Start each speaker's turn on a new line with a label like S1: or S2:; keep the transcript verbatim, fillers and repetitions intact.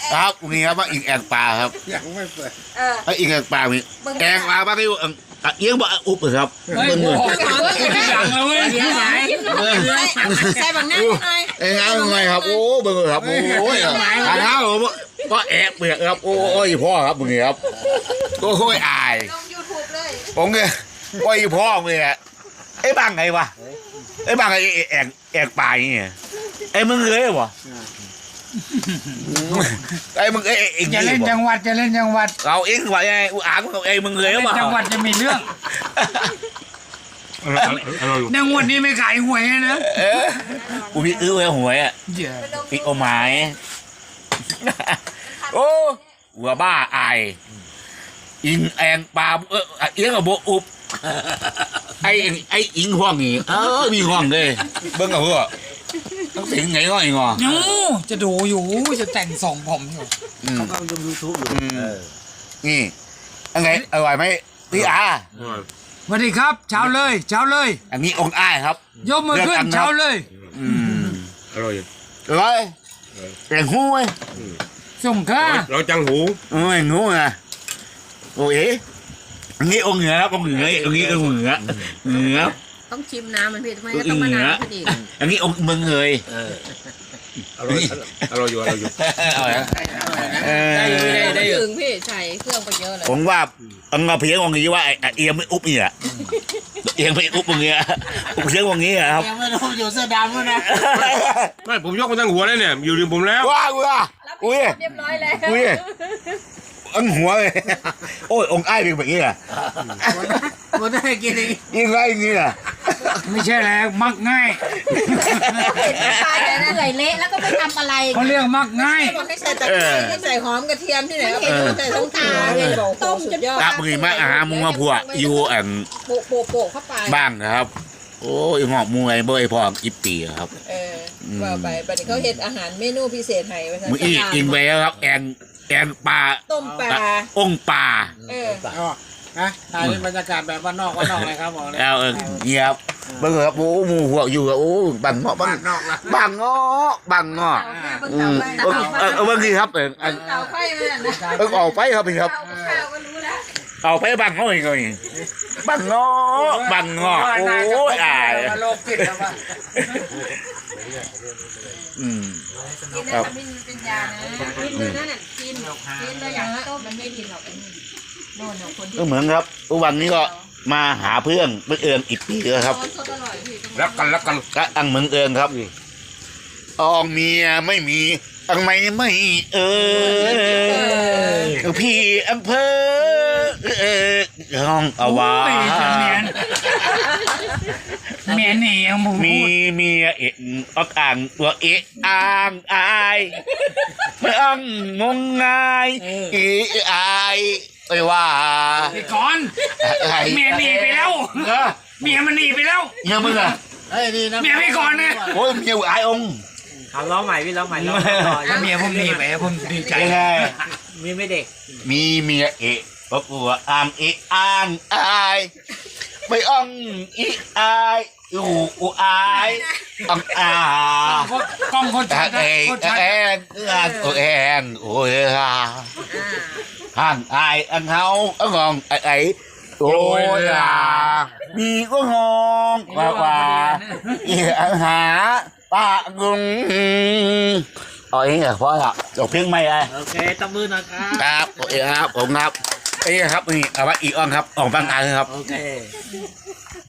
S1: ครับนี่ครับว่าอีกแองปลาครับ
S2: ยังไม่เปิด
S3: เออ
S1: ไอ้อีกแองปลามีแองปลาบ้างที่เอี้ยงบ่อุบครับ
S4: เฮ้ย
S1: เบิ่ง
S4: โอ้
S1: มือ
S4: โหสั่งเลยเว้ย
S3: ใส่บางหน้าหน่อย
S1: เอ้ยเอาไงครับโอ้เบิ่งครับโอ้ยทางเท้าผมก็แอบเปียกครับโอ้ยพ่อครับมึงครับโอ้ยอาย
S3: ลงยูทูบเลย
S1: ผมเนี่ยโอ้ยพ่อมึงเนี่ยไอ้บังไงวะไอ้บังไอ้แอกแอกปลาอย่างเงี้ยไอ้มึงเลยวะไอ้มึงไอ้เอง
S4: จะเล่นจังหวัดจะเล่นจังหวัด
S1: เราเองว่าไงอุอ่างของไอ้มึงเลยวะ
S4: จังหวัดจะมีเรื่องในงวดนี้ไม่ขายหวยนะ
S1: เออกูมีอื้อไว้หวยอ่ะ
S4: เดี๋ยว
S1: ปีโอไม้โอ้หัวบ้าอายอิงแองปลาเออเอี้ยงกับโบอุบไอ้ไอ้อิงห้องนี่เออมีห้องเลยเบิ้งกับเพื่อต้องสิงไงก็ไอ้งอ
S4: ยูจะดูอยู่จะแต่งส่งผมอยู่
S2: เขาก็ดูยูทูบอยู่
S1: นี่อะไรอร่อยไหมพี่อา
S4: สวัสดีครับเช้าเลยเช้าเลย
S1: อันนี้องค์อ้ายครับ
S4: ยกมือขึ้นเช้าเลย
S1: อืม
S5: อร่อย
S1: อร่อยแต่หู้ไหม
S4: ส่งค่า
S5: เราจังหู
S1: เออหู้ไงโอ้ยอันนี้องค์เหนือครับองค์เหนืออันนี้องค์เหนือเหนือ
S3: ต้องชิมน้ำมันพี่ทำไมก็ต้องมานานพอดี
S1: อันนี้องค์เมืองเลย
S5: อร่อยอร่อยอยู่อร่อยอยู่
S1: อร่อยเออ
S3: ได้ถึงพี่ใส่เครื่องไปเยอะเลย
S1: ผมว่าอังกฤษเพียงองค์นี้ว่าไอ้เอียงไม่อุบเนี่ยเอียงไม่อุบองค์เงี้ยอุบเพียงองค์นี้ครับ
S2: ยังไม่รู้อยู่เสื้อดำด้วยนะ
S5: ไม่ผมยกมาทั้งหัวเลยเนี่ยอยู่ริมผมแล้ว
S1: ว้าวว้าอุ้ย
S3: เรียบร้อยแล้ว
S1: อุ้ยอังหัวเลยโอ้ยองค์ไอ้เป็นแบบนี้อ่ะ
S2: มันได้กินเอง
S1: ยังไงอย่างนี้อ่ะ
S4: ไม่ใช่แล้วมักง่าย
S3: เห็นปลาแต่นั่นไหลเละแล้วก็ไม่ทำอะไร
S4: เขาเรียกมักง่าย
S3: บอกให้ใส่ตะไคร้ให้ใส่หอมกระเทียมที่ไหนเห็นใส่ต้องตาเลยต้มจนยอด
S1: ตับมือมาอาหารมุงมาผัวอยู่อัน
S3: โปะโปะโปะเข้าไป
S1: บ้างนะครับ โอ้ยหอบมวยเบยพออีปีครับ
S3: เออว่าไปบัดนี้เขาเห็นอาหารเมนูพิเศษให้ไว้
S1: มืออีกินไปแล้วครับแองแองปลา
S3: ต้มปลา
S1: องปลา
S3: เออ
S2: อ๋อนะถ่ายเป็นบรรยากาศแบบบ้านนอกบ้านนอกเลยครับบอกเลย
S1: แล้วเออเงียบเบิ่งครับโอ้หมูหัวอยู่โอ้บังเงาะบัง
S2: บ้านนอกละ
S1: บังเงาะบังเงาะ อืมเออเออเออบางทีครับเอออัน
S3: เตาไฟมันนะ
S1: เออออกไปครับพี่ครับ
S3: ข้าวก็รู้แล้ว
S1: เอาไปบังเขาอีกเลยบังเงาะบังเงาะโอ้ยอาย
S2: โลกจิตแล้วว่า
S1: อืม
S3: กินได้ทำให้มันเป็นยานะกินเลยนั่นน่ะกินกินเลยอย่างต้มมันไม่กินหรอกโน่นคนที่
S1: ก็เหมือนครับวันนี้ก็มาหาเพื่อนเพื่อนเอิญอีกปีแล้วครับ
S3: สดอร่อยพี่
S5: รักกันรักกัน
S1: ก็อังเมืองเอิญครับอองเมียไม่มีอังไม่ไม่เออพี่อำเภอเออห้องเอาไว้
S4: โอ้ยจะเมียนเมียนนี่ยังหมู
S1: มีเมียเอ็งออกอ่างตัวเอะอ่างอายไม่อ่างงงงายอีอายไปว่า
S4: ไปก่อนเมียหนีไปแล้ว
S1: เออ
S4: เมียมันหนีไปแล้ว
S1: เมียมึงอะ
S2: เฮ้ยดีนะ
S4: เมียไม่ก่อนนะ
S1: โอ้ยเมียอายองค์
S6: ทำร้องใหม่พี่ร้องใหม่ร้องใหม่ต่อ
S4: ถ้าเมียผมหนีไปผมดีใจ
S1: ยังไง
S6: มีไม่เด็ก
S1: มีเมียเอะบอกว่าอ่างเอะอ่างอายไม่อ่องอีอายอูอูอายอ่องอาก
S4: ล้องคนชัด
S1: เอ
S4: นะ
S1: ง
S4: คนชัด
S1: เองเองโอ้เองโอ้ยฮ่าห่างอายอันเฮาอันงองไอ้ไอ้โอ้ยอ่ะมีก็งองกว่าว่าอีอันหาป้างงเอาเองเหรอพ่อครับจบเพียงไม่ได้
S6: โอเคตบมือหน่อยครับ
S1: ครับโอเคครับผมครับเอ้ครับนี่เอาไว้อีกอ่องครับออกบางอันครับ
S6: โอเค